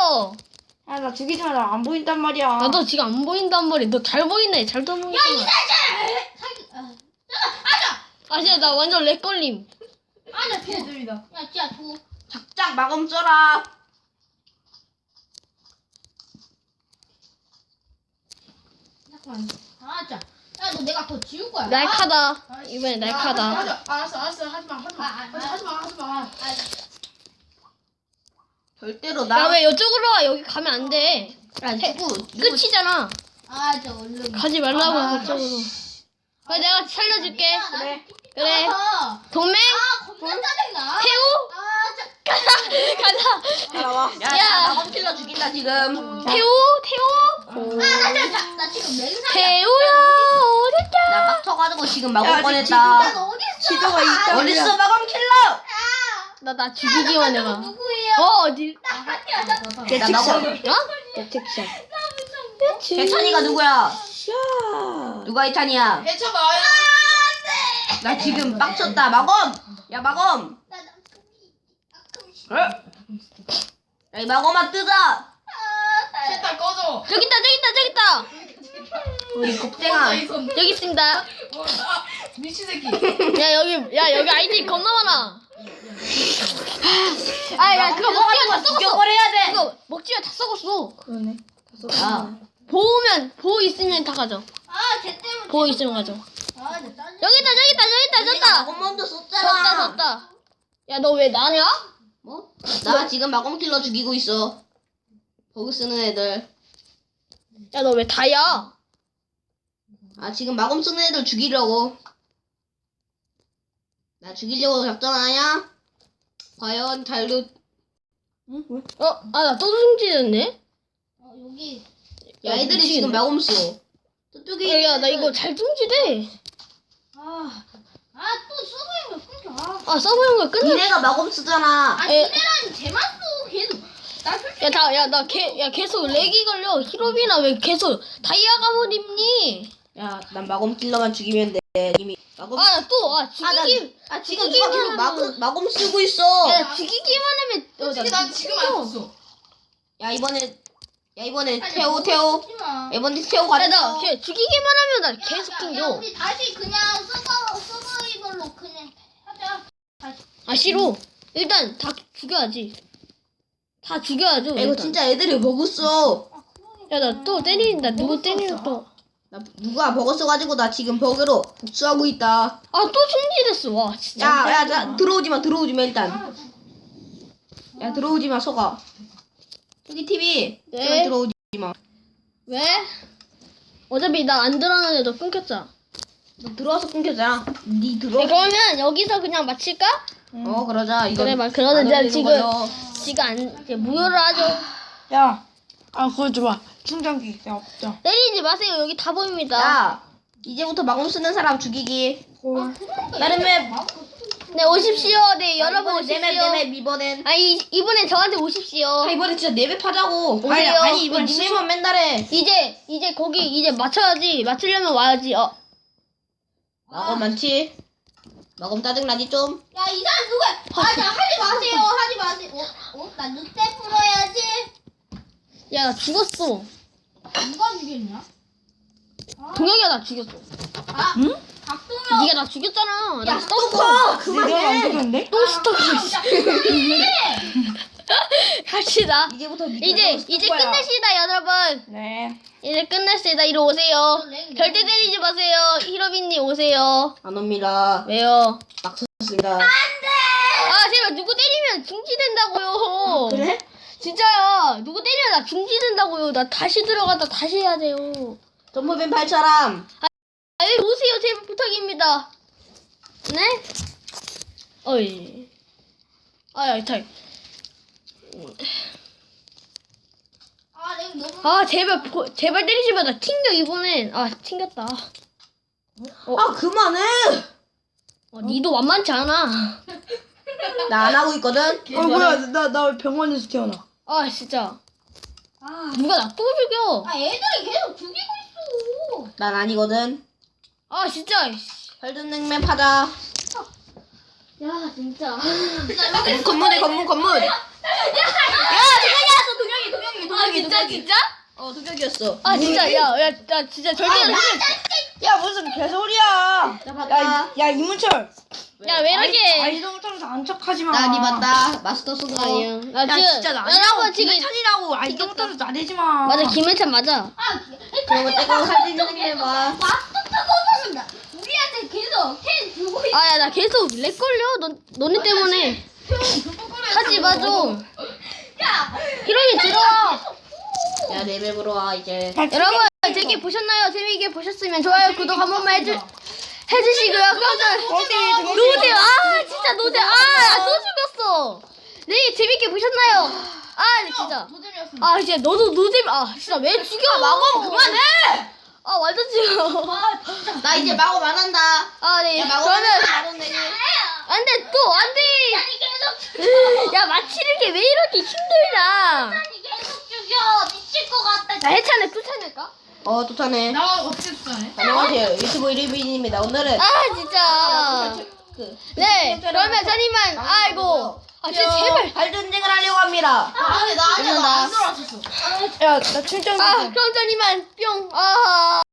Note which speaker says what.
Speaker 1: 죽여.
Speaker 2: 야, 나 죽이지 마. 나 안 보인단 말이야.
Speaker 1: 나도 지금 안 보인단 말이야. 너 잘 보이네. 잘 보이네.
Speaker 3: 야 사기.
Speaker 1: 아 진짜 나 완전 렉 걸림.
Speaker 3: 아나 줘.
Speaker 2: 개들이다.
Speaker 3: 야 진짜 줘.
Speaker 2: 작작 마검 써라.
Speaker 3: 잠깐만. 아 진짜. 야너 내가 더 지울 거야.
Speaker 1: 날카다. 이번에 날카다.
Speaker 2: 알았어. 하지마. 절대로
Speaker 1: 야
Speaker 2: 나.
Speaker 1: 왜 이쪽으로 와? 여기 가면 안 돼.
Speaker 2: 야, 누구?
Speaker 1: 끝이잖아.
Speaker 3: 아저 얼른.
Speaker 1: 가지 말라고 그쪽으로. 그래 내가 살려줄게.
Speaker 2: 그래.
Speaker 1: 그래.
Speaker 3: 아
Speaker 1: 동맹
Speaker 3: 겁나 짜증나.
Speaker 1: 태우 가자.
Speaker 2: 따라와. 야,
Speaker 1: 야.
Speaker 2: 나 마검 킬러 죽인다 지금.
Speaker 1: 태우
Speaker 3: 아나 지금 맹상이야.
Speaker 1: 태우야 어딨냐?
Speaker 2: 나 빡쳐가지고 지금 마검
Speaker 3: 야
Speaker 2: 꺼냈다.
Speaker 3: 너 어디 있어?
Speaker 2: 지도가 있다. 어딨어 마검 킬러?
Speaker 1: 나 죽이기만 해봐.
Speaker 3: 누구예요?
Speaker 1: 어디?
Speaker 3: 아니야.
Speaker 2: 나 마검.
Speaker 1: 어?
Speaker 2: 대책샷. 대찬이가 누구야? 누가 이탄이야?
Speaker 3: 해쳐봐.
Speaker 2: 나 지금 빡쳤다. 마검. 야 마검. 야 이 마검아 뜨자.
Speaker 3: 셋다 꺼져.
Speaker 1: 저기 있다.
Speaker 2: 우리 곱쟁아.
Speaker 1: 여기 있습니다.
Speaker 3: 미친 새끼.
Speaker 1: 야 여기 아이디 겁나 많아. 야 그거 먹지마 다 썩었어.
Speaker 2: 죽여버려야 돼.
Speaker 1: 그거 먹지마 다 썩었어.
Speaker 2: 그러네. 야.
Speaker 1: 보호 있으면 다 가져.
Speaker 3: 쟤 때문에.
Speaker 1: 보호 있으면 가져.
Speaker 3: 나 짜증.
Speaker 1: 여기 있다.
Speaker 2: 내가 마검 먼저 썼잖아.
Speaker 1: 졌다. 야 너 왜 나냐?
Speaker 2: 뭐? 나 지금 마검 킬러 죽이고 있어. 버그 쓰는 애들.
Speaker 1: 야 너 왜 다야?
Speaker 2: 아 지금 마검 쓰는 애들 죽이려고. 나 죽이려고 작전하냐? 과연 달려.
Speaker 1: 나 또 승진했네.
Speaker 3: 여기.
Speaker 2: 야 애들이
Speaker 1: 미치겠네.
Speaker 2: 지금 마검 써. 저쪽에.
Speaker 1: 야 나 이거 잘 승진해.
Speaker 3: 또 서버인 거 끊겨.
Speaker 1: 서버 연결 끝났어.
Speaker 2: 니네가 마검 쓰잖아.
Speaker 3: 니네랑 쟤만 써 계속. 나 솔직히.
Speaker 1: 야 계속 렉이 걸려. 히로비나 왜 계속 다이아 가옷 입니?
Speaker 2: 야 난 마검 킬러만 죽이면 돼. 이미 마검.
Speaker 1: 죽이기.
Speaker 2: 지금
Speaker 1: 죽이기만
Speaker 2: 누가 계속
Speaker 1: 하면-
Speaker 2: 마검 쓰고 있어.
Speaker 1: 야 죽이기만 하면.
Speaker 3: 솔직히 난 지금 안 썼어.
Speaker 2: 야 이번에
Speaker 3: 아니,
Speaker 2: 태호.
Speaker 3: 쓰지 마.
Speaker 2: 이번에 태호
Speaker 1: 야,
Speaker 2: 가자.
Speaker 1: 나 죽이기만 하면 나 계속
Speaker 3: 야,
Speaker 1: 끊겨.
Speaker 3: 우리 다시 그냥 서버이벌로 그냥 하자.
Speaker 1: 싫어. 일단 다 죽여야지. 다 죽여야죠.
Speaker 2: 야, 이거
Speaker 1: 일단.
Speaker 2: 진짜 애들이 버그 써.
Speaker 1: 야, 나 또 때린다. 누구 때리려 또.
Speaker 2: 나 누가 버그 써가지고 나 지금 버그로 복수하고 있다.
Speaker 1: 또 승진했어. 와, 진짜.
Speaker 2: 야, 들어오지 마 일단. 야, 들어오지 마, 서가. 저기 TV.
Speaker 1: 네.
Speaker 2: 제발 들어오지 마.
Speaker 1: 왜? 어차피 나 안 들어가는데도 끊겼잖아.
Speaker 2: 너 들어와서 끊겼잖아. 니 들어.
Speaker 1: 네, 그러면 여기서 그냥 마칠까?
Speaker 2: 그러자. 이거.
Speaker 1: 그래, 그러자.
Speaker 2: 안
Speaker 1: 지금
Speaker 2: 걸리는 거죠.
Speaker 1: 이제 무효를 하죠.
Speaker 4: 야, 그거 줘봐. 충전기. 야, 없죠.
Speaker 1: 때리지 마세요. 여기 다 보입니다.
Speaker 2: 야, 이제부터 마검 쓰는 사람 죽이기. 다른 맵.
Speaker 1: 네, 오십시오. 네, 여러분 오십시오.
Speaker 2: 내맵 이번엔.
Speaker 1: 이번엔 저한테 오십시오.
Speaker 2: 이번에 진짜 내맵 하자고.
Speaker 1: 오세요.
Speaker 2: 아니 이번 니네만 맨날 해.
Speaker 1: 이제 거기 이제 맞춰야지. 맞추려면 와야지.
Speaker 2: 마검 많지? 마검 짜증나지 좀?
Speaker 3: 야, 이 사람 누구야? 하지 마세요. 나 늑대 풀어야지.
Speaker 1: 야, 나 죽었어.
Speaker 3: 누가 죽였냐?
Speaker 1: 동혁이가 나 죽였어.
Speaker 3: 응? 박동혁.
Speaker 1: 네가 나 죽였잖아. 나
Speaker 2: 스토커!
Speaker 4: 내가 안 되는데?
Speaker 1: 또 스토커. 갑시다.
Speaker 2: 이제부터
Speaker 1: 이제 끝냅시다, 여러분.
Speaker 4: 네.
Speaker 1: 이제 끝냈습니다. 이리 오세요. 절대 때리지 마세요. 히로빈님 오세요.
Speaker 2: 안 옵니다.
Speaker 1: 왜요?
Speaker 2: 막 섰습니다.
Speaker 1: 제발 누구 때리면 중지된다고요.
Speaker 2: 그래?
Speaker 1: 진짜야. 누구 때리면 나 중지된다고요. 나 다시 들어갔다 다시 해야 돼요.
Speaker 2: 점프맨 8사람.
Speaker 1: 여기 오세요. 제발 부탁입니다. 네? 어이. 야, 잘.
Speaker 3: 내가 너무.
Speaker 1: 제발 때리지 마. 나 튕겨, 이번엔. 튕겼다.
Speaker 2: 그만해!
Speaker 1: 니도 만만치 않아.
Speaker 2: 나 안 하고 있거든?
Speaker 4: 뭐야, 나 왜 병원에서 태어나?
Speaker 1: 진짜. 누가 나 또 죽여.
Speaker 3: 애들이 계속 죽이고 있어.
Speaker 2: 난 아니거든.
Speaker 1: 진짜.
Speaker 2: 혈전냉면 파자.
Speaker 1: 야, 진짜.
Speaker 2: 건물에 건물. 야, 동영이 왔어, 동영이.
Speaker 1: 진짜?
Speaker 2: 도적이었어.
Speaker 1: 아 진짜 나 진짜 절대
Speaker 4: 야 무슨 개소리야.
Speaker 2: 나 봤다.
Speaker 4: 야 이문철.
Speaker 1: 야 왜 이렇게
Speaker 4: 아이도 못하면서 안 척하지 마.
Speaker 2: 나니 봤다. 마스터 소드
Speaker 1: 아니야 나
Speaker 4: 야
Speaker 1: 지금
Speaker 4: 진짜 나
Speaker 1: 여러분 지금
Speaker 4: 김해찬이라고 아이도 못하면서 나대지 마.
Speaker 1: 맞아 김해찬 맞아
Speaker 2: 그러면 내가 할수 있는 게 해봐.
Speaker 3: 마스터 타고 우리한테 계속 캔 주고 있어.
Speaker 1: 아 야 나 계속 렉 걸려 너네 때문에 하지 마좀
Speaker 3: 야,
Speaker 1: 히로인 들어와
Speaker 2: 야 레벨으로 와 이제.
Speaker 1: 여러분 재밌게 보셨나요? 재밌게 보셨으면 좋아요 구독 한 번만 해주시고요 깜짝 노잼 아 진짜 노잼 아또 죽였어 네 재밌게 보셨나요? 아 진짜 아 진짜 너도 노잼 아 진짜 왜 죽여 마법 그만해 아 완전 죽여
Speaker 2: 나 이제 마법 안 한다.
Speaker 1: 아네
Speaker 2: 야 마법
Speaker 1: 그러면
Speaker 2: 안 한다.
Speaker 1: 안돼 또 안돼
Speaker 3: 아니 계속
Speaker 1: 야 마치는 게 왜 이렇게 힘들다
Speaker 3: 아니 계속 죽여. 미칠 것 같다.
Speaker 1: 나 해찬에 쫓아낼까?
Speaker 2: 쫓아내.
Speaker 4: 나 어떻게 쫓아내?
Speaker 2: 안녕하세요. 유튜브 이리비입니다. 오늘은
Speaker 1: 아 진짜 네 그러면 저님만 아이고 아 진짜 제발
Speaker 2: 발전쟁을 하려고 합니다.
Speaker 3: 아니 나 아직 안 들어왔었어.
Speaker 4: 야나 출장.
Speaker 1: 아 그럼 저님만 뿅아